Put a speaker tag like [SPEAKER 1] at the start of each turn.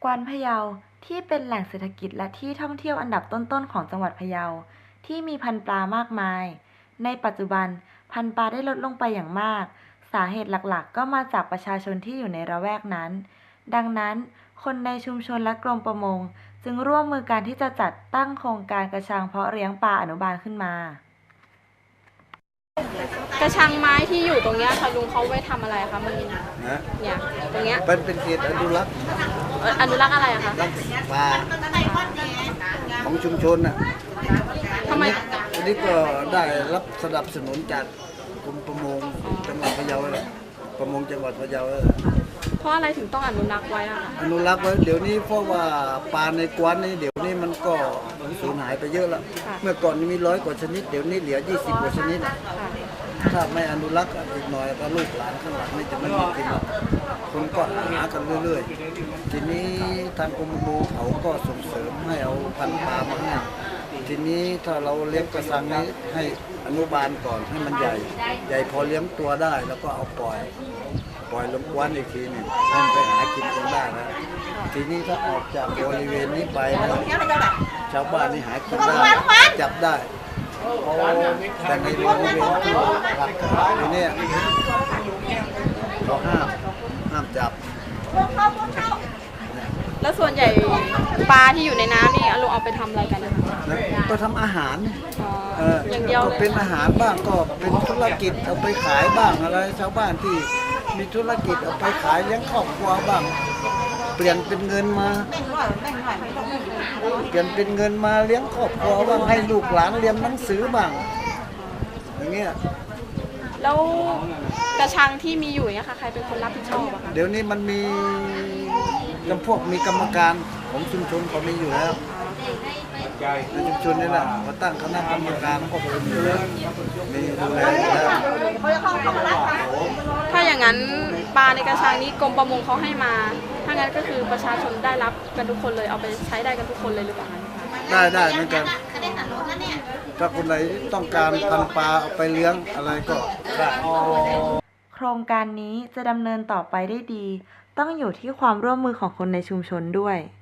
[SPEAKER 1] กวานพะเยาที่เป็นแหล่งเศรษฐกิจและที่ท่องเที่ยวอันดับต้นๆของจังหวัดพะเยาที่มีพันธุ์ปลามากมายในปัจจุบันพันธุ์ปลาได้ลดลงไปอย่างมากสาเหตุหลักๆก็มาจากประชาชนที่อยู่ในละแวกนั้นดังนั้นคนในชุมชนและกรมประมงจึงร่วมมือกันที่จะจัดตั้งโครงการกระชังเพาะเลี้ยงปลาอนุบาลขึ้นมาก
[SPEAKER 2] ระชังไม้ที่อยู่ตรงเนี้ยค่ะลุงเขาไว้ทำอะไรคะมันเนี่ยตรงเนี้ย
[SPEAKER 3] เป็นเขตอนุรักษ์
[SPEAKER 2] อะไรอะคะ
[SPEAKER 3] รักปลาของชุมชนน่ะ
[SPEAKER 2] ทำไม
[SPEAKER 3] อันนี้ก็ได้รับสนับสนุนจากกรมประมงจังหวัดพะเยาเลยประมงจังหวัดพะเยาเลย
[SPEAKER 2] เพราะอะไรถึงต้องอนุรักษ์ไว้อะคะ
[SPEAKER 3] อนุรักษ์ไว้เดี๋ยวนี้เพราะว่าปลาในกวานนี่เดี๋ยวนี้มันก็สูญหายไปเยอะแล้วเมื่อก่อนมี100 กว่าชนิดเดี๋ยวนี้เหลือ20 กว่าชนิดถ้าไม่อนุรักษ์อีกหน่อยก็ลูกหลานข้างหลังนี่จะไม่มีกินแล้วคนก็หากันเรื่อยๆทีนี้ทางกรมประมงเขาก็ส่งเสริมให้เอาพันธุ์ปลามาให้ทีนี้ถ้าเราเลี้ยงกระชังนี้ให้อนุบาลก่อนให้มันใหญ่พอเลี้ยงตัวได้แล้วก็เอาปล่อยลงกว้านอีกทีหนึ่งให้มันไปหากินเองได้นะทีนี้ถ้าออกจากบริเวณนี้ไปนะชาวบ้านนี่หากินได้จับได้แต่ในบริเวณที่หลักอยู่เนี่ยเราห้ามจับ
[SPEAKER 2] แล้วส่วนใหญ่ปลาที่อยู่ในน้ำนี่ลุงเอาไปทำอะไรกันนะคะ
[SPEAKER 3] ก็ทำอาหาร
[SPEAKER 2] อย่างเดียว
[SPEAKER 3] ก็เป็นอาหารบ้างก็เป็นธุรกิจเอาไปขายบ้างอะไรชาวบ้านที่มีธุรกิจเอาไปขายเลี้ยงครอบครัวบ้างเปลี่ยนเป็นเงินมาเลี้ยงครอบครัวบ้างให้ลูกหลานเรียนหนังสือบ้างอย่างเงี้ย
[SPEAKER 2] แล้วกระชังที่มีอยู่เนี่ยค่ะใครเป็นคนรับผิดชอบอะคะ
[SPEAKER 3] เดี๋ยวนี้มันมีมีกรรมการของชุมชนเขามีอยู่แล้วในชุมชนนี่แหละเขาตั้งคณะกรรมการก็มีดูแลแล้ว
[SPEAKER 2] ถ้าอย่างนั้นปลาในกระชังนี้กรมประมงเขาให้มาถ้างั้นก็คือประชาชนได้รับกันทุกคนเลยเอาไปใช้ได้กันทุกคนเลยหรือเปล่า
[SPEAKER 3] ได้เหมือนกันถ้าคนไหนต้องการพันปลาเอาไปเลี้ยงอะไรก็ได้
[SPEAKER 1] โครงการนี้จะดำเนินต่อไปได้ดีต้องอยู่ที่ความร่วมมือของคนในชุมชนด้วย